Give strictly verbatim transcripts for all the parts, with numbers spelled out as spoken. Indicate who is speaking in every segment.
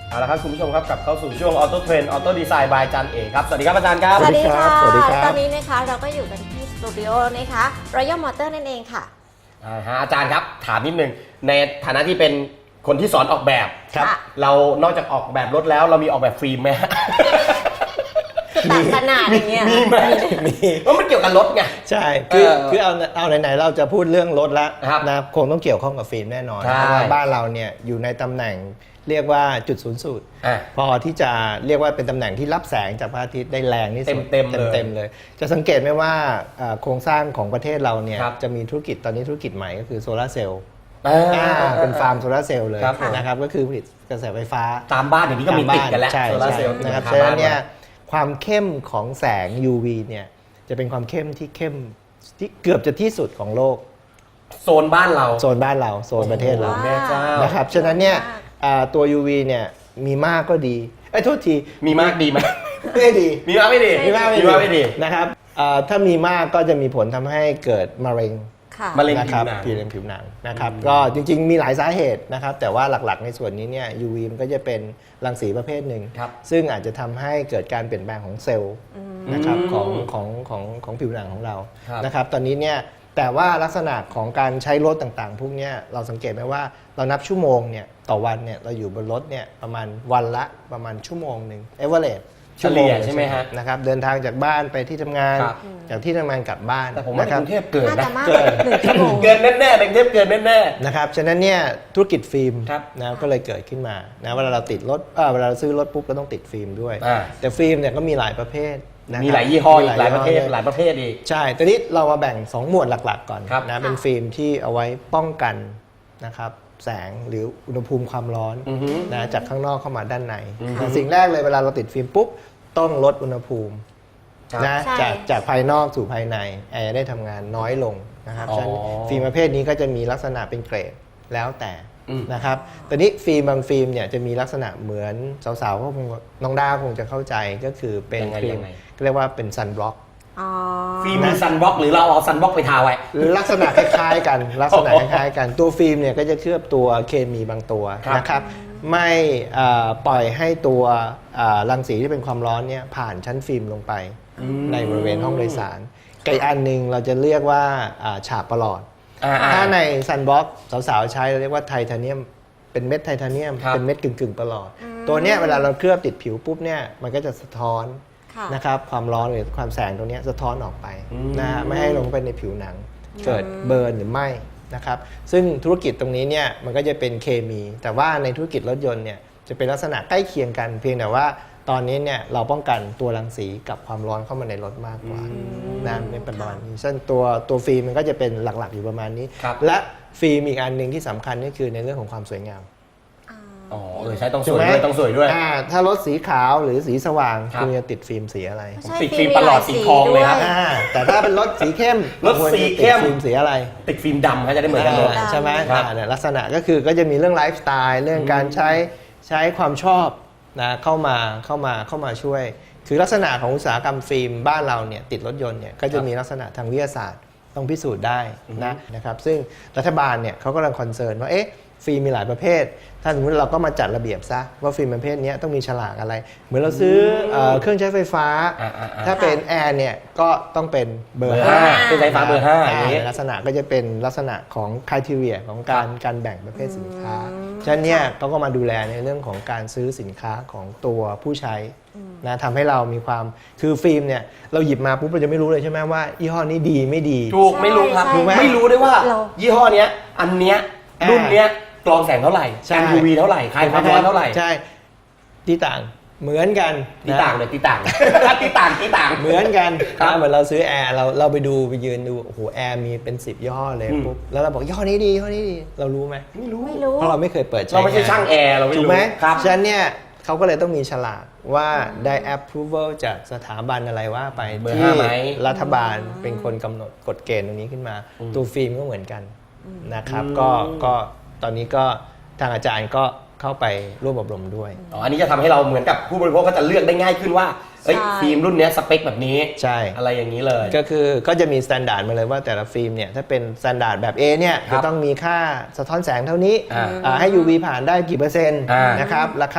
Speaker 1: เอาละครับคุณผู้ชมครับกลับเข้าสู่ช่วงออโต้เทรนด์ออโต้ดีไซน์บายอาจารย์เอกครับสวัสดีครับอาจารย์ครับ
Speaker 2: สวัสดีค่ะ
Speaker 3: สวัสดีครับ
Speaker 2: ตอนนี้นะคะเราก็อยู่กันที่สตูดิโอนะคะ Royal Motor นั่นเองค่ะ
Speaker 1: อ่าฮะอาจารย์ครับถามนิดนึงในฐานะที่เป็นคนที่สอนออกแบบ
Speaker 2: ครับ
Speaker 1: เรานอกจากออกแบบรถแล้วเรามีออกแบบฟิล์มไหม
Speaker 2: คือต่างขนาดอย่างเงี้ย
Speaker 1: มีไหม
Speaker 3: มี
Speaker 1: เพราะมันเกี่ยวกับรถไง
Speaker 3: ใช่คือ
Speaker 1: เออ
Speaker 3: คือเอาเอาไหนๆเราจะพูดเรื่องรถแล้ว
Speaker 1: ครับ
Speaker 3: นะคงต้องเกี่ยวข้องกับฟิล์มแน่นอน
Speaker 1: ใช่
Speaker 3: เพราะว่าบ้านเราเนี่ยอยู่ในตำแหน่งเรียกว่าจุดศูนย์สูตร
Speaker 1: อ่ะ
Speaker 3: พอที่จะเรียกว่าเป็นตำแหน่งที่รับแสงจากพระอาทิตย์ได้แรงที่สุด
Speaker 1: เต็มๆเลย
Speaker 3: เต็มๆเลย จะสังเกตไหมว่าเอ่อโครงสร้างของประเทศเราเนี่ย
Speaker 1: ครับ
Speaker 3: จะมีธุรกิจตอนนี้ธุรกิจใหม่ก็คือโซลาร์เซลล์
Speaker 1: อ่า
Speaker 3: อ่าเป็นฟาร์มโซลาร์เซลล์เลย
Speaker 1: ครับผม
Speaker 3: นะครับก็คือผลิตกระแสไฟฟ้า
Speaker 1: ตามบ้านเดี๋ยวนี้ก็มีติดกันแล้ว
Speaker 3: ใช่
Speaker 1: โซลาร์
Speaker 3: ใช่
Speaker 1: เซลล์
Speaker 3: นะครับ
Speaker 1: ติด
Speaker 3: ฉะ
Speaker 1: กั
Speaker 3: นั้นเนี่ย
Speaker 1: บ้า
Speaker 3: ความเข้มของแสง ยู วี เนี่ยจะเป็นความเข้มที่เข้มที่เกือบจะที่สุดของโลก
Speaker 1: โซนบ้านเรา
Speaker 3: โซนบ้านเราโซนประเทศเรา
Speaker 1: โอ้โหแม่เจ้า
Speaker 3: นะครับฉะนั้นเนี่ยอ่าตัว ยู วี เนี่ยมีมากก็ดีไอ้ยโทษที
Speaker 1: มีมากดีไหม
Speaker 3: ไม่ดี
Speaker 1: มีมากไม่ดี
Speaker 3: มีมาก
Speaker 1: มีมากไม่ดี
Speaker 3: นะครับอ่าถ้ามีมากก็จะมีผลทำให้เกิดมะเร็ง
Speaker 2: ค่ะ
Speaker 1: มะเร็ง
Speaker 3: นะครับ
Speaker 1: ผิวหนัง
Speaker 3: ผิวหนังผิวหนังนะครับก็จริงๆมีหลายสาเหตุนะครับแต่ว่าหลักๆในส่วนนี้เนี่ย ยู วี มันก็จะเป็นรังสีประเภทหนึ่ง
Speaker 1: ครับ
Speaker 3: ซึ่งอาจจะทำให้เกิดการเปลี่ยนแปลงของเซลล์นะครับของของของของผิวหนังของเรา
Speaker 1: ครับ
Speaker 3: นะครับตอนนี้เนี่ยแต่ว่าลักษณะของการใช้รถต่างๆ พวกเนี้ยเราสังเกตไหมว่าเรานับชั่วโมงเนี่ยต่อวันเนี่ยเราอยู่บนรถเนี่ยประมาณวันละประมาณชั่วโมงหนึ่งเอเวอเรส
Speaker 1: เฉลี่ยใช่ไหมฮะ
Speaker 3: นะครับเดินทางจากบ้านไปที่ทำงาน
Speaker 1: ครับ
Speaker 3: จากที่ทำงานกลับบ้าน
Speaker 1: แต่ผมว่า
Speaker 3: นะ
Speaker 1: ใน
Speaker 3: ครั
Speaker 1: ก
Speaker 3: บ
Speaker 1: รุงเทพเกิน
Speaker 2: น่า
Speaker 1: นะ
Speaker 2: จะมาก
Speaker 3: เกิน
Speaker 2: หนึ่งชั่วโมง
Speaker 1: เกินแน่ๆในกรุงเทพเกินแน่
Speaker 3: นะครับ ฉะนั้นเนี่ยธุรกิจฟิล์ม
Speaker 1: ครับ
Speaker 3: นะก็เลยเกิดขึ้นมานะเวลาเราติดรถเออเวลาเราซื้อรถปุ๊บก็ต้องติดฟิล์มด้วย
Speaker 1: อ่า
Speaker 3: แต่ฟิล์มเนี่ยก็มีหลายประเภทนะ
Speaker 1: ๆ
Speaker 3: คบ
Speaker 1: มีหลายยี่ห้ออีกหลายประเภท
Speaker 3: ยี่ห้อ
Speaker 1: หลายประเภทอีก
Speaker 3: ใช่ตอนนี้เรามาแบ่งสองหมวดหลักๆก่อน
Speaker 1: ครับ
Speaker 3: นะเป็นฟิล์มที่เอาไว้ป้องกันนะครับแสงหรืออุณหภูมิความร้อน
Speaker 1: อือฮึ
Speaker 3: นะจากข้างนอกเข้ามาด้านใน
Speaker 1: อือฮึ
Speaker 3: นะสิ่งแรกเลยเวลาเราติดฟิล์มปุ๊บต้องลดอุณหภูมิ
Speaker 1: ครับ
Speaker 3: นะ
Speaker 2: ใช่
Speaker 3: จากจากภายนอกสู่ภายในแอร์ได้ทำงานน้อยลงนะครับ
Speaker 1: อ๋อ
Speaker 3: ฉะนั้นฟิล์มประเภทนี้ก็จะมีลักษณะเป็นเกรดแล้วแต่
Speaker 1: อืม
Speaker 3: นะครับตอนนี้ฟิล์มบางฟิล์มเนี่ยจะมีลักษณะเหมือนสาวๆก็คงน้องด้าคงจะเข้าใจก็คือเป็น
Speaker 1: ยังไง
Speaker 3: ฟิล์
Speaker 1: ยั
Speaker 3: ม
Speaker 1: งไง
Speaker 3: เรียกว่าเป็นซันบล็อก
Speaker 2: อ๋อ
Speaker 1: ฟิล์มมีซันบล็อกหรือเราเอาซันบล็อกไปทาไว้
Speaker 3: ลักษณะคล้ายๆกัน ลักษณะคล้ายๆกันตัวฟิล์มเนี่ยก็จะเคลือบตัวเคมีบางตัว
Speaker 1: ครับ
Speaker 3: นะครับไม่เอ่อปล่อยให้ตัวเอ่อรังสีที่เป็นความร้อนเนี่ยผ่านชั้นฟิล์มลงไป ในบริเวณห้องโดยสารกับอีกอันหนึ่งเราจะเรียกว่าอ่าฉาบประหลอด
Speaker 1: อ่าๆ
Speaker 3: ถ้าในซันบ็อกสาวๆใช้เราเรียกว่าไทเทเนียมเป็นเม็ดไทเทเนียม
Speaker 1: ครับ
Speaker 3: เป็นเม็ดกึ่งๆประหลอด ตัวเนี้ยเวลาเราเคลือบติดผิวปุ๊บเนี่ยมันก็จะสะท้อน
Speaker 2: ค่ะ
Speaker 3: นะครับความร้อนหรือความแสงตรงเนี้ยสะท้อนออกไป
Speaker 1: อืม
Speaker 3: นะฮะไม่ให้ลงไปในผิวหนัง เกิดเบิร์นหรือไหม้นะครับซึ่งธุรกิจตรงนี้เนี่ยมันก็จะเป็นเคมี แต่ว่าในธุรกิจรถยนต์เนี่ยจะเป็นลักษณะใกล้เคียงกัน เพียงแต่ว่าตอนนี้เนี่ยเราป้องกันตัวรังสีกับความร้อนเข้ามาในรถมากกว่านะในประมาณนี้ซึ่งตัวตัวฟิล์มมันก็จะเป็นหลักๆอยู่ประมาณนี้
Speaker 1: ครับ
Speaker 3: และฟิล์มอีกอันหนึ่งที่สำคัญก็คือในเรื่องของความสวยงาม
Speaker 1: อ๋อเออใช้ต้องส
Speaker 3: ถูก
Speaker 1: วย
Speaker 3: ไหม
Speaker 1: ด้วยต้องสวยด้วย
Speaker 3: อ่าถ้ารถสีขาวหรือสีสว่าง
Speaker 1: ครับ
Speaker 3: คุณจะติดฟิล์มสีอะไร
Speaker 2: ใช่
Speaker 1: ติดฟิล์มประหลอดสีทองเลยครับ
Speaker 2: มีหา
Speaker 3: อ่าแต่ถ้าเป็นรถสีเข้ม
Speaker 1: รถสีเข้ม
Speaker 3: ควรจะติดฟิล์มสีอะไร
Speaker 1: ติดฟิล์มดำเขาจะได้เหมือนกันหมด
Speaker 3: อ่าใช่ไหม
Speaker 1: ครับ
Speaker 3: อ่าเนี่ยลักษณะก็คือก็จะมีเรื่องไลฟ์สไตล์เรื่องการใช้ใช้ความชอบนะเข้ามาเข้ามาเข้ามาช่วย คือลักษณะของอุตสาหกรรมฟิล์มบ้านเราเนี่ยติดรถยนต์เนี่ยก็จะมีลักษณะทางวิทยาศาสตร์ต้องพิสูจน์ได้นะนะครับซึ่งรัฐบาลเนี่ยเขากำลังคอนเซิร์นว่าเอ๊ะฟิล์มมีหลายประเภท ถ้าสมมติเราก็มาจัดระเบียบซะว่าฟิล์มประเภทนี้ต้องมีฉลากอะไร เหมือนเราซื้อเอ่อเครื่องใช้ไฟฟ้า
Speaker 1: อ่าๆๆ
Speaker 3: ถ้าเป็นแอร์เนี่ยก็ต้องเป็นเบอ
Speaker 1: เบอ
Speaker 3: ร์
Speaker 1: ร์
Speaker 3: ห้า
Speaker 1: ห้าเป็นไฟฟ้าเบอร์ห้าอย่างนี้
Speaker 3: ลักษณะก็จะเป็นลักษณะของคุณทีเรียของการการแบ่งประเภทสินค้า ฉะนั้นเนี่ยเขาก็มาดูแลในเรื่องของการซื้อสินค้าของตัวผู้ใช้นะทำให้เรามีความคือฟิล์มเนี่ยเราหยิบมาปุ๊บเราจะไม่รู้เลยใช่ไหมว่ายี่ห้อนี้ดีไม่ดี
Speaker 1: ถูกไม่รู้ครับ
Speaker 2: ใช่ใช่
Speaker 1: ไม่รู้ด้วยว่า
Speaker 2: เรา
Speaker 1: ยี่ห้อเนี้ยอันเนี้ย
Speaker 3: อ่า
Speaker 1: รุ่นเนี้ยกรองแสงเท่าไหร่
Speaker 3: ใช่
Speaker 1: กัน ยู วี เท่าไหร่คลายความร้อนเท่าไหร่
Speaker 3: ใช่ที่ต่างเหมือนกัน
Speaker 1: ตี
Speaker 3: นะ
Speaker 1: ต่างเลยตีต่าง ตีต่างตีต่าง
Speaker 3: เหมือนกัน
Speaker 1: ครับ
Speaker 3: นะเหมือนเราซื้อแอร์เราเราไปดูไปยืนดูโอ้โหแอร์มีเป็นสิบยี่ห้อเลย
Speaker 1: อืม
Speaker 3: ปุ๊บแล้วเราบอกยี่ห้อนี้ดียี่ห้อนี้ดีเรารู้ไหม
Speaker 1: ไม่รู้
Speaker 2: ไม่รู้
Speaker 3: เพราะเราไม่เคยเปิดใช้
Speaker 1: เราไม่ใช่ช่างแอร์เราไม่
Speaker 3: ถูก
Speaker 1: รู้
Speaker 3: ไหม
Speaker 1: ครับ
Speaker 3: ฉะนั้นเนี่ยเขาก็เลยต้องมีฉลากว่าได้ approval จากสถาบันอะไรว่าไป
Speaker 1: เบอร์
Speaker 3: ที่
Speaker 1: ห้าไหม
Speaker 3: รัฐบาลเป็นคนกำหนดกฎเกณฑ์ตรงนี้ขึ้นมา ตัวฟิล์มก็เหมือนกันนะครับก็ก็ตอนนี้ก็ทางอาจารย์ก็เข้าไปร่วมอบรมด้วย
Speaker 1: อ๋ออันนี้จะทำให้เราเหมือนกับผู้บริโภคก็จะเลือกได้ง่ายขึ้นว่าเอ้ย
Speaker 2: ใช่
Speaker 1: ฟิล์มรุ่นเนี้ยสเปคแบบนี้
Speaker 3: ใช่
Speaker 1: อะไรอย่างนี้เลย
Speaker 3: ก็คือก็จะมีมาตรฐานมาเลยว่าแต่ละฟิล์มเนี่ยถ้าเป็นมาตรฐานแบบ A เนี่ย
Speaker 1: ครั
Speaker 3: จะ
Speaker 1: บ
Speaker 3: ต้องมีค่าสะท้อนแสงเท่านี้
Speaker 1: อ่า
Speaker 3: อ่าให้ ยู วี ผ่านได้กี่เปอร์เซ็นต์
Speaker 1: อ่าน
Speaker 3: นะครับราคา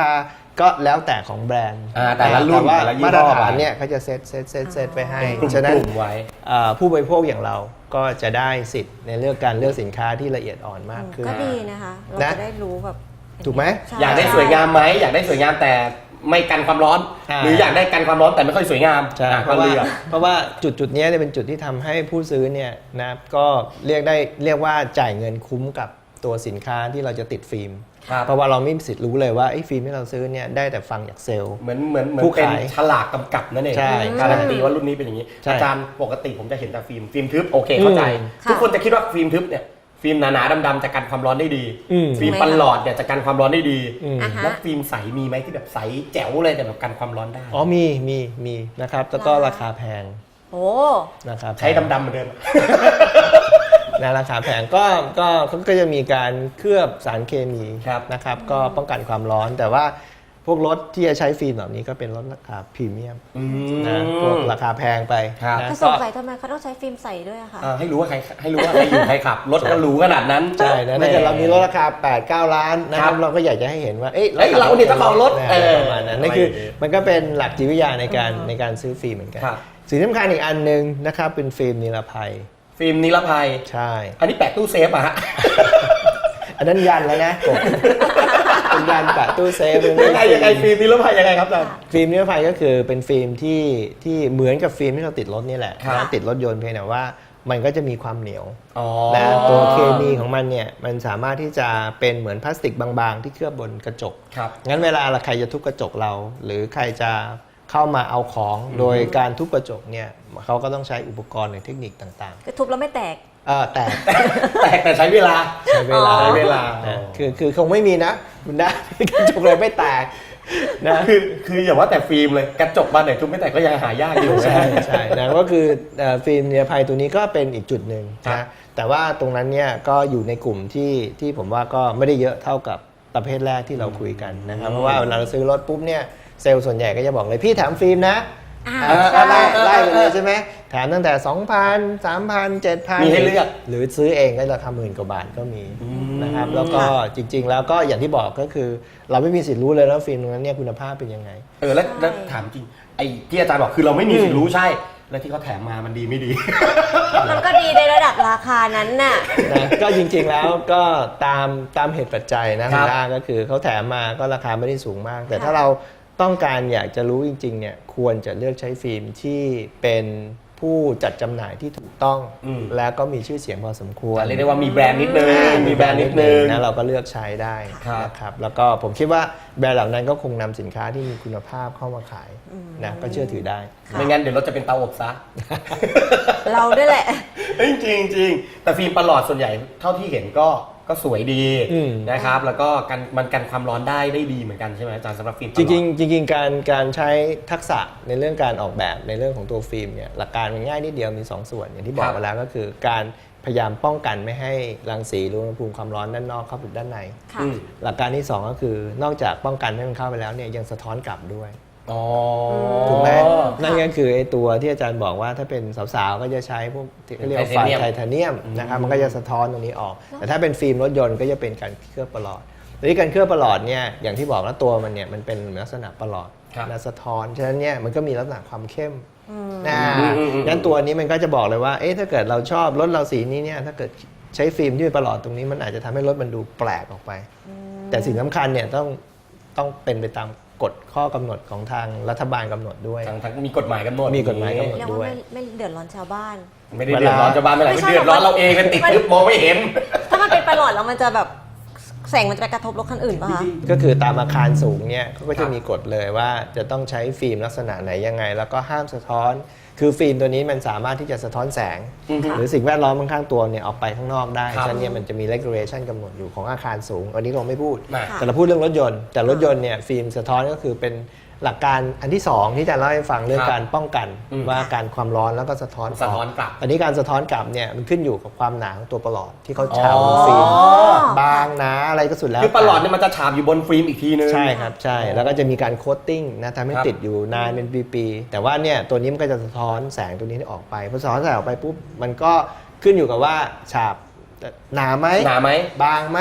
Speaker 3: ก็แล้วแต่ของแบรนด์
Speaker 1: อ่าแต่ละรุ่น
Speaker 3: ว่า
Speaker 1: แต่ละยี่ห้อ
Speaker 3: มาตรฐานเนี่ยเขาจะเซตเซตเซตเซตไปให้
Speaker 1: กลุ่ม
Speaker 3: ฉะนั้น
Speaker 1: กลุ่มไว้
Speaker 3: อ่าผู้บริโภคอย่างเราก็จะได้สิทธิ์ในเรื่องการเลือกสินค้าที่ละเอียดอ่อนมากขึ้น
Speaker 2: ก็ดีนะคะ เรา
Speaker 3: นะ
Speaker 2: จะได้รู้แบบ
Speaker 3: ถูกไหม
Speaker 2: ใช่
Speaker 1: อยากได้สวยงามไหมอยากได้สวยงามแต่ไม่กันความร้อน
Speaker 3: อ่า
Speaker 1: หรืออยากได้กันความร้อนแต่ไม่ค่อยสวยงาม
Speaker 3: ใช่
Speaker 1: อ่ะ
Speaker 3: เพ
Speaker 1: ก็
Speaker 3: ราะว่า
Speaker 1: เลือก
Speaker 3: เพราะว่าจุดจุดๆเนี้ยเนี่ยเป็นจุดที่ทำให้ผู้ซื้อเนี่ยนะก็เรียกได้เรียกว่าจ่ายเงินคุ้มกับตัวสินค้าที่เราจะติดฟิล์ม
Speaker 1: ครับ
Speaker 3: เพราะว่าเราไม่มีสิทธิ์รู้เลยว่าไอ้ฟิล์มที่เราซื้อเนี่ยได้แต่ฟังจากเซลล์
Speaker 1: เหมือนเหมือนเหมือน
Speaker 3: ผู้
Speaker 1: เป็น
Speaker 3: ขาย
Speaker 1: ฉลากกำกับนั่นเอง
Speaker 3: ใช่
Speaker 1: การันตีว่ารุ่นนี้เป็นอย่างนี้
Speaker 3: ใช่
Speaker 1: อาจารย์ปกติผมจะเห็นแต่ฟิล์มฟิล์มทึบโอเคเข้าใจ
Speaker 3: อืม
Speaker 1: ทุกคนจะคิดว่าฟิล์มทึบเนี่ยฟิล์มหนาๆดำๆจะกันความร้อนได้ดี
Speaker 3: อืม
Speaker 1: ฟิล์มปันหลอดเนี่ยจะกันความร้อนได้ดี
Speaker 3: อืม
Speaker 2: อ่าฮะ
Speaker 1: แล้วฟิล์มใสมีไหมที่แบบใสแจ๋วเลยแต่แบบกันความร้อนได้
Speaker 3: อ๋อมีมีมีนะครับแล้วก็ราคาแพง
Speaker 2: โอ้
Speaker 3: นะครับ
Speaker 1: ใช้ดำๆเหมือนเดิม
Speaker 3: นะราคาแพงก็ก็เขาก็จะมีการเคลือบสารเคมี
Speaker 1: ครับ
Speaker 3: นะครับก็ป้องกันความร้อน แต่ว่าพวกรถที่จะใช้ฟิล์มแบบนี้ก็เป็นรถราคาพรีเมียม
Speaker 1: อื
Speaker 3: นะพวกราคาแพงไป
Speaker 1: ครับ
Speaker 3: นะ
Speaker 2: ก็ส
Speaker 3: ก็
Speaker 2: งสัยทำไมเขาต้องใช้ฟิล์มใสด้วยอะคะ
Speaker 1: อ่าให้รู้ว่าใครให้รู้ว่าใครอยู่ใครขับ รถก็หรูขนาดนั้น
Speaker 3: ใช่นะถ้าเกิดเรามีรถราคา แปด เก้า ล้านนะค
Speaker 1: ครั
Speaker 3: รับบ เราก็อยากจะให้เห็นว่าเอ้ย
Speaker 1: เอ้ยเราเนี่ยเจ้าของรถ
Speaker 3: นะ
Speaker 1: เออ
Speaker 3: ประมาณนั้นนั่นคือมันก็เป็นหลักจิตวิทยาในการในการซื้อฟิล์มเหมือนกัน
Speaker 1: ครับ
Speaker 3: สิ่งสำคัญอีกอันหนึ่งนะครับเป็นฟิล์มนิรภัย
Speaker 1: ฟิล์มนิรภัย
Speaker 3: ใช่
Speaker 1: อันนี้แปะตู้เซฟอะฮะ
Speaker 3: อันนั้นยันแล้วนะกบ เป็นยันแปะตู้เซฟ
Speaker 1: ยังไงยังไงฟิล์มนิรภัยยังไงครับอาจารย์
Speaker 3: ฟิล์มนิรภัยก็คือเป็นฟิล์มที่ที่เหมือนกับฟิล์มที่เราติดรถนี่แหละ
Speaker 1: ครับ
Speaker 3: นะติดรถยนต์เพียงแต่ว่ามันก็จะมีความเหนียว
Speaker 1: อ๋อ
Speaker 3: นะตัวเคมีของมันเนี่ยมันสามารถที่จะเป็นเหมือนพลาสติกบางๆ ที่เคลือบบนกระจก
Speaker 1: ครับ
Speaker 3: งั้นเวลาใครจะทุบกระจกเรา หรือใครจะเข้ามาเอาของโดยการทุบกระจกเนี่ยเขาก็ต้องใช้อุปกรณ์หรือเทคนิคต่าง
Speaker 2: ก็ทุบแล้วไม่แตก
Speaker 3: ๆเออแต่
Speaker 1: แตกแต่ใช้เวลา
Speaker 3: ใช้เวลา
Speaker 1: ใช้เวลา
Speaker 3: นะคือคือคงไม่มีนะคุณได้ กระจกเลยไม่แตกนะ
Speaker 1: คือคืออย่าว่าแต่ฟิล์มเลยกระจกบานไหนทุบไม่แตกก็ยังหายากอยู่นะ
Speaker 3: ใช่ใช่นะก็คือเอ่อฟิล์มนิรภัยตัวนี้ก็เป็นอีกจุดหนึ่ง
Speaker 1: ครับ
Speaker 3: นะแต่ว่าตรงนั้นเนี่ยก็อยู่ในกลุ่มที่ที่ผมว่าก็ไม่ได้เยอะเท่ากับประเภทแรกที่เราคุยกันนะครับเพราะว่าเวลาเราซื้อรถปุ๊บเนี่ยเซลล์ส่วนใหญ่ก็จะบอกเลยพี่แถมฟิล์มนะ
Speaker 2: อ่า
Speaker 3: อ่า
Speaker 2: ใช่
Speaker 3: ไล่ไล่ไปเลยใช่ไหมแถมตั้งแต่ สองพัน สามพัน เจ็ดพัน
Speaker 1: มีให้เลือก
Speaker 3: หรือซื้อเองก็ราคาหมื่นกว่าบาทก็มีนะครับแล้วก็จริง ๆ แล้วก็อย่างที่บอกก็คือ เราไม่มีสิทธิ์รู้เลยว่าฟิล์มตรงนั้นเนี่ยคุณภาพเป็นยังไง
Speaker 1: เออแล้วแล้วถามจริงไอ้ที่อาจารย์บอกคือเราไม่มีสิทธิ์รู้ใช่ แล้วที่เขาแถมมามันดีไม่ดี
Speaker 2: มันก็ดีในระดับราคานั้นน่ะ
Speaker 3: นะก็จริงๆแล้วก็ตามตามเหตุปัจจัยนะครับ คุณด้าก็คือเขาแถมมาก็ราคาไม่ได้สูงมาก แต่ถ้าเราต้องการอยากจะรู้จริงๆเนี่ยควรจะเลือกใช้ฟิล์มที่เป็นผู้จัดจำหน่ายที่ถูกต้อง
Speaker 1: อืม
Speaker 3: แล้วก็มีชื่อเสียงพอสมควร
Speaker 1: เรียกได้ว่ามีแบรนด์นิดนึงมีแบรนด์นิดนึง
Speaker 3: นะเราก็เลือกใช้ได้
Speaker 1: ครับ
Speaker 3: นะครับแล้วก็ผมคิดว่าแบรนด์เหล่านั้นก็คงนำสินค้าที่มีคุณภาพเข้ามาขายนะก็เชื่อถือได้
Speaker 2: ค่ะ
Speaker 1: ไม่งั้นเดี๋ยวเราจะเป็นเตาอบซะ
Speaker 2: เราด้วยแหละ
Speaker 1: เอ้ยจริงจริงแต่ฟิล์มประหลอดส่วนใหญ่เท่าที่เห็นก็ก็สวยดี
Speaker 3: อืม
Speaker 1: นะครับ แล้วก็กันมันกันความร้อนได้ได้ดีเหมือนกันใช่ไหมอาจารย์สำหรับฟิล์มประ
Speaker 3: จ
Speaker 1: หลอด
Speaker 3: ริงๆจริงๆการการใช้ทักษะในเรื่องการออกแบบในเรื่องของตัวฟิล์มเนี่ยหลักการมันง่ายนิดเดียวมีสองส่วนอย่างที่บอ
Speaker 1: ค
Speaker 3: ก
Speaker 1: รับ
Speaker 3: ไปแล้วก็คือการพยายามป้องกันไม่ให้รังสีหรืออุณหภูมิความร้อนด้านนอกเข้าไปด้านใน
Speaker 2: ค่ะ
Speaker 1: อืม
Speaker 3: หลักการที่สองก็คือนอกจากป้องกันไม่ให้มันเข้าไปแล้วเนี่ยยังสะท้อนกลับด้วย
Speaker 1: อ๋อ
Speaker 3: ถูกไหม
Speaker 2: ค่ะ
Speaker 3: นั่นก็คือไอ้ตัวที่อาจารย์บอกว่าถ้าเป็นสาวๆก็จะใช้พวกที่เขาเรียกว่าไฟไทเทเนียมนะครับมันก็จะสะท้อนตรงนี้ออก แต่ถ้าเป็นฟิล์มรถยนต์ก็จะเป็นการเคลือบประหลอดทีนี้การเคลือบประหลอดเนี่ยอย่างที่บอกแล้วตัวมันเนี่ยมันเป็นลักษณะประหลอด
Speaker 1: ครับ
Speaker 3: และสะท้อนฉะนั้นเนี่ยมันก็มีลักษณะความเข้ม
Speaker 2: อืม
Speaker 3: นะ
Speaker 1: อืมอืมอืม
Speaker 3: งั้นตัวนี้มันก็จะบอกเลยว่าเอ๊ะถ้าเกิดเราชอบรถเราสีนี้เนี่ยถ้าเกิดใช้ฟิล์มที่เป็นประหลอดตรงนี้มันอาจจะทำให้รถมันดูแปลกออกไป แต่สิ่งสำคัญเนี่ยต้องต้องเป็นไปตามกฎข้อกำหนดของทางรัฐบาลกำหนดด้วย
Speaker 1: ทางทางมีกฎหมายกำหนด
Speaker 3: มีกฎหมายกำหนด
Speaker 2: เรียกว่าไม่ไม่เดือดร้อนชาวบ้าน
Speaker 1: ไม่ได้เดือดร้อนชาวบ้านไม่ไหน
Speaker 2: ไม่
Speaker 1: ไม่
Speaker 2: ใช่
Speaker 1: เดือดร้อนเราเองกันติดทึบมองไม่เห็น
Speaker 2: ถ้ามันเป็นประหลอดแล้วมันจะแบบแสงมันจะไปกระทบรถคันอื่นป่ะคะ
Speaker 3: ก็คือตามอาคารสูงเนี่ยเขาก็
Speaker 1: ครั
Speaker 3: จะ
Speaker 1: บ
Speaker 3: มีกฎเลยว่าจะต้องใช้ฟิล์มลักษณะไหนยังไง แล้วก็ห้ามสะท้อน คือฟิล์มตัวนี้มันสามารถที่จะสะท้อนแสง
Speaker 1: อือฮึ
Speaker 3: หรือสิ่งแวดล้อมข้างๆตัวเนี่ยออกไปข้างนอกได้
Speaker 1: ครับ
Speaker 3: ฉะนั้นเนี่ยมันจะมี regulation กำหนดอยู่ของอาคารสูง อันนี้เราไม่พูด
Speaker 1: มา
Speaker 2: ค่ะ
Speaker 3: แต่เราพูดเรื่องรถยนต์ แต่รถยนต์เนี่ยฟิล์มสะท้อนก็คือเป็นหลักการอันที่สองที่จะเล่าให้ฟังเรื่อง
Speaker 1: ครับ
Speaker 3: การป้องกัน
Speaker 1: อืม
Speaker 3: ว่าการความร้อนแล้วก็สะท้อน
Speaker 1: สะท้อนกลับ
Speaker 3: อันนี้การสะท้อนกลับเนี่ยมันขึ้นอยู่กับความหนาของตัวประหลอดที่เขา
Speaker 1: อ๋อ
Speaker 3: ฉาบบนฟิล์มบางหนาอะไรก็สุดแล้ว
Speaker 1: คือประหลอดเนี่ยมันจะฉาบอยู่บนฟิล์มอีกทีนึง
Speaker 3: ใช่ครับใช่แล้วก็จะมีการโคตติ้งนะทำให้
Speaker 1: ครับ
Speaker 3: ติดอยู่นานเป็นปีๆแต่ว่าเนี่ยตัวนี้มันก็จะสะท้อนแสงตัวนี้ออกไปพอสะท้อนแสงออกไปปุ๊บมันก็ขึ้นอยู่กับว่าฉาบหนาไหม
Speaker 1: หนาไหม
Speaker 3: บางไหม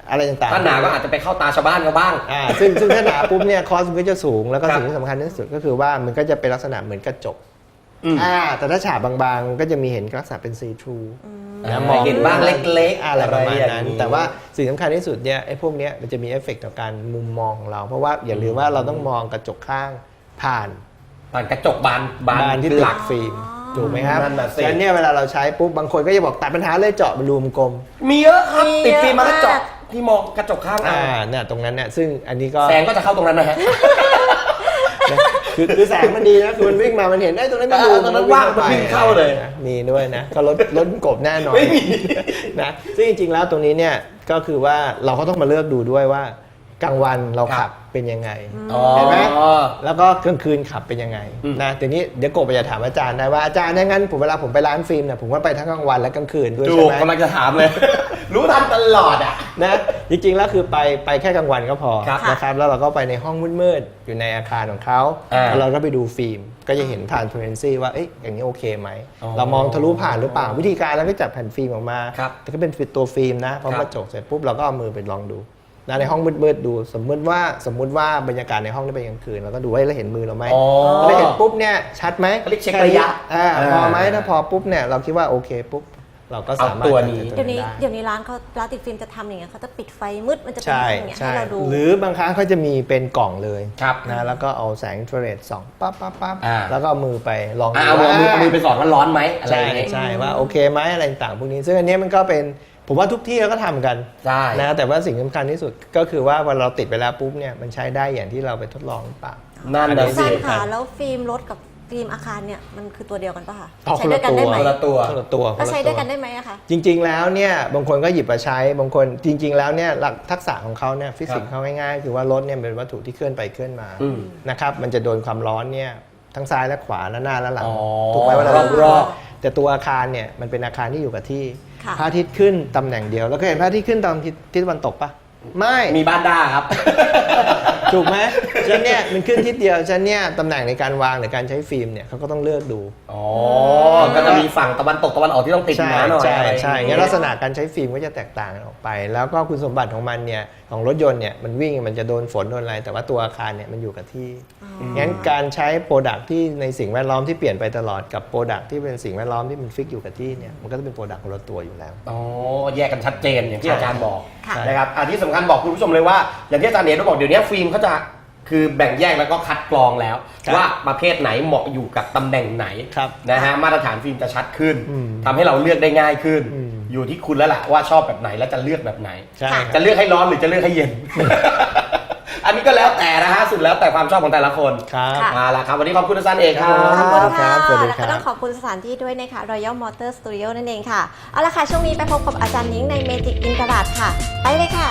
Speaker 3: อะไรต่างๆ
Speaker 1: ถ้าหนาก็อาจจะไปเข้าตาชาวบ้านเขาบ้าง
Speaker 3: อ่าซึ่งซึ่งถ้าหนาปุ๊บเนี่ยคอสมันก็จะสูงแล้วก็
Speaker 1: ครับ
Speaker 3: สิ่งที่สำคัญที่สุดก็คือว่ามันก็จะเป็นลักษณะเหมือนกระจก
Speaker 1: อืม
Speaker 3: อ่าแต่ถ้าฉาบบางๆก็จะมีเห็นลักษณะเป็นซีทรู
Speaker 1: นะมองเห็นบ้างเล็กๆ
Speaker 3: อะไรประมาณ
Speaker 1: อย่ง
Speaker 3: นั้น แต่ว่าสิ่งสำคัญที่สุดเนี่ยไอ้พวกเนี้ยมันจะมีเอฟเฟกต์ต่อการมุมมองของเรา เพราะว่าอย่าลืมว่าเราต้องมองกระจกข้างผ่าน
Speaker 1: ผ่านกระจกบานบาน
Speaker 3: บานที่
Speaker 1: ห
Speaker 3: ห
Speaker 1: ลั
Speaker 3: ลั
Speaker 1: ก
Speaker 3: กฟิล์มถูกไหมครับ
Speaker 1: นั่นน่ะสิ
Speaker 3: ฉะนั้นเนี่ยเวลาเราใช้ปุ๊บบางคนก็จะบอกตัดปัญหาเลยเจาะเป็นรูมกลม
Speaker 1: มีเยอะครับ
Speaker 2: มี
Speaker 1: ติดฟิล์มมาแล้ว
Speaker 2: เยอะมาก
Speaker 1: เจาะที่มองกระจกข้าง
Speaker 3: อ่า
Speaker 1: อ่า
Speaker 3: เนี่ยตรงนั้นเนี่ยซึ่งอันนี้ก็
Speaker 1: แสงก็จะเข้าตรงนั้นนะฮะ
Speaker 3: นะคือคือแสงมันดีนะคือมันวิ่งมามันเห็นได้ตรงนั้นไม่
Speaker 1: เอ
Speaker 3: ดู
Speaker 1: อตรงนั้นว่างมันวิ่งเข้าเลย
Speaker 3: นะมีด้วยนะก็ลดลดกบแน่นอน
Speaker 1: ไม่มี
Speaker 3: นะซึ่งจริงๆแล้วตรงนี้เนี่ยก็คือว่าเราก็ต้องมาเลือกดูด้วยว่ากลางวันเราขับเป็นยังไง
Speaker 1: อ๋อ
Speaker 3: เห็นไหม แล้วก็กลางคืนขับเป็นยังไง
Speaker 1: อืม
Speaker 3: นะทีนี้เดี๋ยวกบจะถามอาจารย์ได้ว่าอาจารย์ถ้างั้นผมเวลาผมไปร้านฟิล์มเนี่ยผมก็ไปทั้งกลางวันและกลางคืนด้วย
Speaker 1: ถู
Speaker 3: ใช่
Speaker 1: ก
Speaker 3: ไหม
Speaker 1: กำลังจะถามเลย รู้ทันตลอดอ่ะ
Speaker 3: นะจริงๆแล้วคือไปไปแค่กลางวันก็พอ
Speaker 1: ครับ
Speaker 3: นะครับแล้วเราก็ไปในห้องมืดๆอยู่ในอาคารของเขา
Speaker 1: อ่า
Speaker 3: แล้วเราก็ไปดูฟิล์มก็จะเห็น transparency ว่าเอ๊ะอย่างนี้โอเคไหม
Speaker 1: อ๋อ
Speaker 3: เรามองทะลุผ่านหรือเปล่าวิธีการเราก็จับแผ่นฟิล์มออกมา
Speaker 1: ครับ
Speaker 3: แต่ก็เป็นตัวฟิล์มนะพอ
Speaker 1: ครับ
Speaker 3: กระจกเสร็จปุ๊บเราก็เอามือไปลองดูนะในห้องมืดๆดูสมมติว่าสมมุติว่าบรรยากาศในห้องได้เป็นกลางคืนเราก็ดูว่าเราเห็นมือเราไหม
Speaker 1: อ๋อ
Speaker 3: เราเห็นปุ๊บเนี่ยชัดไหม
Speaker 1: เขาเรียกเช็คระยะ
Speaker 3: อ่า
Speaker 1: อ่า
Speaker 3: พอไหมถ้าพอปุ๊บเนี่ยเราคิดว่าโอเคปุ๊บเราก็สามารถ
Speaker 1: เอาตัวนี้
Speaker 3: จัด
Speaker 2: เดี๋ยวนี้
Speaker 3: ได้
Speaker 2: เดี๋ยวนี้ร้านเขาร้านติดฟิล์มจะทำอย่างเงี้ยเขาจะปิดไฟมืดมันจะเป็น
Speaker 3: ใช่
Speaker 2: อย่างเงี้ยให้
Speaker 3: ใช่
Speaker 2: เราดู
Speaker 3: หรือบางครั้งเขาจะมีเป็นกล่องเลย
Speaker 1: ครับ
Speaker 3: นะแล้วก็เอาแสงอินฟราเรดส่องปั๊บปั๊บปั๊บ
Speaker 1: อ่า
Speaker 3: แล้วก็เอามือไปลอง
Speaker 1: อ่าเอามือเอามือเอามือไปสอดว่าร้อนไหมอะไรอ
Speaker 3: ใช่
Speaker 1: ย่างเงี้ย
Speaker 3: ใช่ว่าโอเคไหมอะไรต่างๆพวกนี้ ซึ่งอันเนี้ยมันก็เป็นผมว่าทุกที่เราก็ทำกัน
Speaker 1: ใช่
Speaker 3: นะแต่ว่าสิ่งสำคัญที่สุดก็คือว่าเวลาเราติดไปแล้วปุ๊บเนี่ยมันใช้ได้อย่างที่เราไปทดลองหรือเปล่า
Speaker 1: นั่น
Speaker 3: อัน
Speaker 1: นะ
Speaker 3: นี้
Speaker 1: สิ
Speaker 2: อาจารย์ค่ะแล้วฟิล์มรถกับฟิล์มอาคารเนี่ยมันคือตัวเดียวกันปะคะ
Speaker 3: อ๋อ
Speaker 2: ใช้ด้วยกันได้ไหม
Speaker 1: คนละตัว
Speaker 3: คนละตัว
Speaker 2: แล้วใช้ด้วยกัน
Speaker 3: คละตัว
Speaker 2: ได้ไหมอะคะ
Speaker 3: จริง ๆ แล้วเนี่ยบางคนก็หยิบมาใช้บางคนจริง ๆ แล้วเนี่ยหลักทักษะของเขาเนี่ยฟิสิกส์เขาง่ายๆคือว่ารถเนี่ยเป็นวัตถุที่เคลื่อนไปเคลื่อนมา
Speaker 1: อืม
Speaker 3: นะครับมันจะโดนความร้อนเนี่ยทั้งซ้ายและขวาและหน้าและหลัง
Speaker 1: อ๋อ
Speaker 3: ถูกไหมเวลาเรา
Speaker 1: รอบๆ
Speaker 3: แต่ตัวอาคารเนี่ยมันเป็นอาคารที่อยู่กับที่
Speaker 2: ค่ะ
Speaker 3: พระอาทิตย์ขึ้นตำแหน่งเดียวแล้วก็เห็นพระอาทิตย์ขึ้นตอนทิศทิศตะวันตกปะไม่
Speaker 1: มีบ้านด้าครับ
Speaker 3: ถูกไหมฉันเนี่ยมันขึ้นทิศเดียวฉันเนี่ยตำแหน่งในการวางหรือการใช้ฟิล์มเนี่ยเขาก็ต้องเลือกดู
Speaker 1: อ๋อ ก็จะมีฝั่งตะวันตกตะวันออกที่ต้องติด
Speaker 3: ใช่
Speaker 1: มาหน่อย
Speaker 3: ใช่
Speaker 1: อะไร
Speaker 3: ใช่
Speaker 1: อย่าง
Speaker 3: งั้
Speaker 1: เงี้
Speaker 3: น
Speaker 1: ย
Speaker 3: ลักษณะการใช้ฟิล์มก็จะแตกต่างกันออกไป แล้วก็คุณสมบัติของมันเนี่ยของรถยนต์เนี่ยมันวิ่งมันจะโดนฝนโดนอะไรแต่ว่าตัวอาคารเนี่ยมันอยู่กับที่งั้นการใช้โปรดักที่ในสิ่งแวดล้อมที่เปลี่ยนไปตลอดกับโปรดักที่เป็นสิ่งแวดล้อมที่มันฟิกอยู่กับที่เนี่ยมันก็จะเป็นโปรดักคนละตัวอยู่แล้ว
Speaker 1: อ๋อ แยกกันชัดเจนอย่างที่อาจารย์บอก
Speaker 2: ค่ะ
Speaker 1: นะครับอันที่สำคัญบอกคุณผู้ชมเลยว่า อย่างที่อาจารย์เนทบอกเดี๋ยวนี้ฟิล์มเขาจะคือแบ่งแยกแล้วก็คัดกรองแล้ว
Speaker 3: ครับ
Speaker 1: ว่าประเภทไหนเหมาะอยู่กับตำแหน่งไหน
Speaker 3: ครับ
Speaker 1: นะฮะมาตรฐานฟิล์มจะชัดขึ้น
Speaker 3: อืม
Speaker 1: ทำให้เราเลือกได้ง่ายขึ้น
Speaker 3: อืม
Speaker 1: อยู่ที่คุณแล้วล่ะว่าชอบแบบไหนและจะเลือกแบบไหน
Speaker 3: ใช่
Speaker 1: จะเลือกให้ร้อนหรือจะเลือกให้เย็น อันนี้ก็แล้วแต่นะฮะสุดแล้วแต่ความชอบของแต่ละคน
Speaker 3: ครับ
Speaker 2: ค่ะ
Speaker 1: มาละครับวันนี้ขอบคุณอาจารย์เอกครับ
Speaker 2: ขอบคุณค่ะ
Speaker 3: ครับสวัสดี
Speaker 2: แล้ว
Speaker 3: ครั
Speaker 2: ก็
Speaker 3: บ
Speaker 2: ต้องขอบคุณสถานที่ด้วยนะคะ Royal Motor Studio นั่นเองค่ะ เอาละค่ะ ช่วงนี้ไปพบกับอาจารย์นิ้งใน Magic in กระดาษค่ะ ไปเลยค่ะ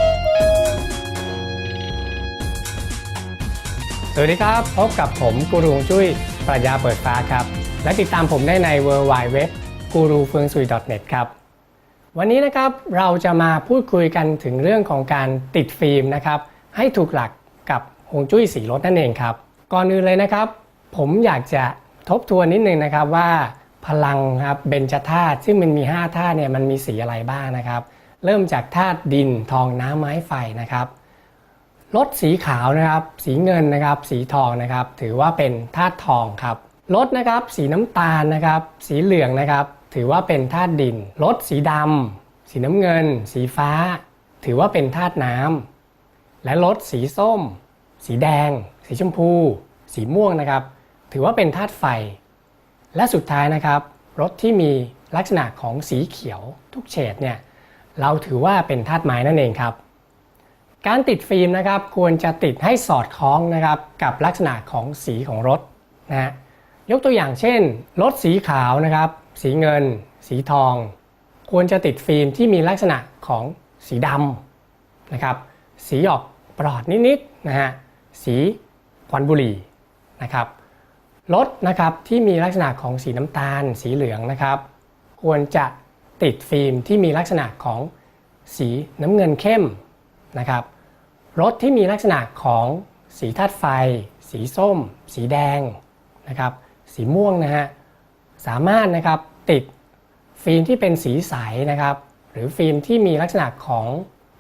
Speaker 4: สวัสดีครับ พบกับผมกูรูฮวงจุ้ยปรัชญาเปิดฟ้าครับ และติดตามผมได้ใน ดับเบิลยู ดับเบิลยู ดับเบิลยู ดับเบิลยู ดอท กูรูเฟืองซุย ดอท เน็ต ครับ วันนี้นะครับเราจะมาพูดคุยกันถึงเรื่องของการติดฟิล์มนะครับให้ถูกหลักกับฮวงจุ้ยสีรถนั่นเองครับ ก่อนอื่นเลยนะครับ ผมอยากจะทบทวนนิดนึงนะครับว่าพลังครับเบญจธาตุซึ่งมันมีห้าธาตุเนี่ยมันมีสีอะไรบ้างนะครับ เริ่มจากธาตุดินทองน้ำไม้ไฟนะครับรถสีขาวนะครับสีเงินนะครับสีทองนะครับถือว่าเป็นธาตุทองครับรถนะครับสีน้ำตาลนะครับสีเหลืองนะครับถือว่าเป็นธาตุดินรถสีดำสีน้ำเงิน สีฟ้า ถือว่าเป็นธาตุน้ำและรถสีส้ม สีแดง สีชมพู สีม่วงนะครับถือว่าเป็นธาตุไฟและสุดท้ายนะครับรถที่มีลักษณะของสีเขียวทุกเฉดเนี่ยเราถือว่าเป็นธาตุไม้นั่นเองครับการติดฟิล์มนะครับควรจะติดให้สอดคล้องนะครับกับลักษณะของสีของรถนะฮะยกตัวอย่างเช่นรถสีขาวนะครับสีเงิน สีทอง ควรจะติดฟิล์มที่มีลักษณะของสีดำนะครับสีออกปลอดนิดๆนะฮะสีควันบุหรี่นะครับรถนะครับที่มีลักษณะของสีน้ำตาล สีเหลืองนะครับควรจะติดฟิล์มที่มีลักษณะของสีน้ำเงินเข้มนะครับรถที่มีลักษณะของสีธาตุไฟ สีส้ม สีแดงนะครับสีม่วงนะฮะสามารถนะครับติดฟิล์มที่เป็นสีใสนะครับหรือฟิล์มที่มีลักษณะของ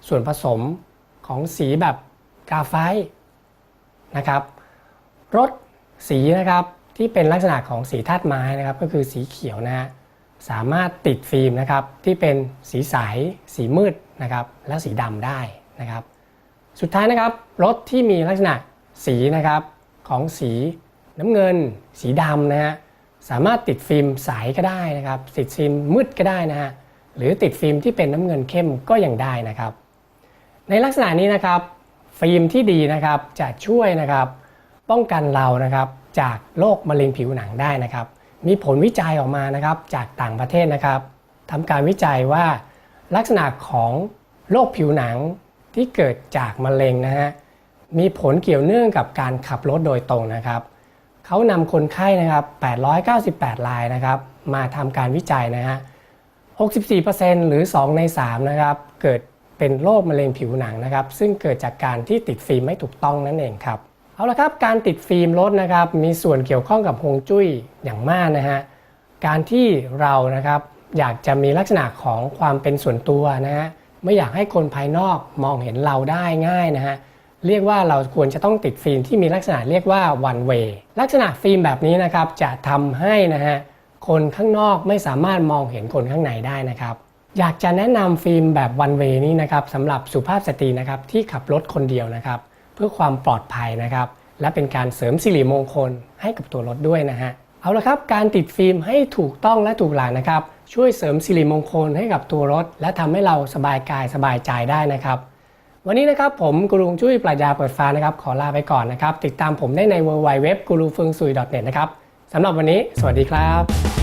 Speaker 4: ส่วนผสมของสีแบบกราไฟต์นะครับรถสีนะครับที่เป็นลักษณะของสีธาตุไม้นะครับก็คือสีเขียวนะฮะสามารถติดฟิล์มนะครับที่เป็นสีใสสีมืดนะครับและสีดำได้นะครับสุดท้ายนะครับรถที่มีลักษณะสีนะครับของสีน้ำเงินสีดำนะฮะสามารถติดฟิล์มใสก็ได้นะครับติดฟิล์มมืดก็ได้นะฮะหรือติดฟิล์มที่เป็นน้ำเงินเข้มก็ยังได้นะครับในลักษณะนี้นะครับฟิล์มที่ดีนะครับจะช่วยนะครับป้องกันเรานะครับจากโรคมะเร็งผิวหนังได้นะครับมีผลวิจัยออกมานะครับจากต่างประเทศนะครับทำการวิจัยว่าลักษณะของโรคผิวหนังที่เกิดจากมะเร็งนะฮะมีผลเกี่ยวเนื่องกับการขับรถโดยตรงนะครับเขานำคนไข้นะครับแปดร้อยเก้าสิบแปดรายนะครับมาทำการวิจัยนะฮะ หกสิบสี่เปอร์เซ็นต์ หรือสองในสามนะครับเกิดเป็นโรคมะเร็งผิวหนังนะครับซึ่งเกิดจากการที่ติดฟิล์มไม่ถูกต้องนั่นเองครับเอาละครับการติดฟิล์มรถนะครับมีส่วนเกี่ยวข้องกับฮวงจุ้ยอย่างมากนะฮะการที่เรานะครับอยากจะมีลักษณะของความเป็นส่วนตัวนะฮะไม่อยากให้คนภายนอกมองเห็นเราได้ง่ายนะฮะเรียกว่าเราควรจะต้องติดฟิล์มที่มีลักษณะเรียกว่า one way ลักษณะฟิล์มแบบนี้นะครับจะทำให้นะฮะคนข้างนอกไม่สามารถมองเห็นคนข้างในได้นะครับอยากจะแนะนำฟิล์มแบบ one way นี้นะครับสำหรับสุภาพสตรีนะครับที่ขับรถคนเดียวนะครับเพื่อความปลอดภัยนะครับและเป็นการเสริมสิริมงคลให้กับตัวรถด้วยนะฮะเอาละครับการติดฟิล์มให้ถูกต้องและถูกหลักนะครับช่วยเสริมสิริมงคลให้กับตัวรถและทำให้เราสบายกายสบายใจได้นะครับวันนี้นะครับผมกูรูจุ้ยปรัชญาเปิดฟ้านะครับขอลาไปก่อนนะครับติดตามผมได้ใน ดับเบิลยู ดับเบิลยู ดับเบิลยู ดอท เฟิงซุย ดอท เน็ต นะครับสำหรับวันนี้สวัสดีครับ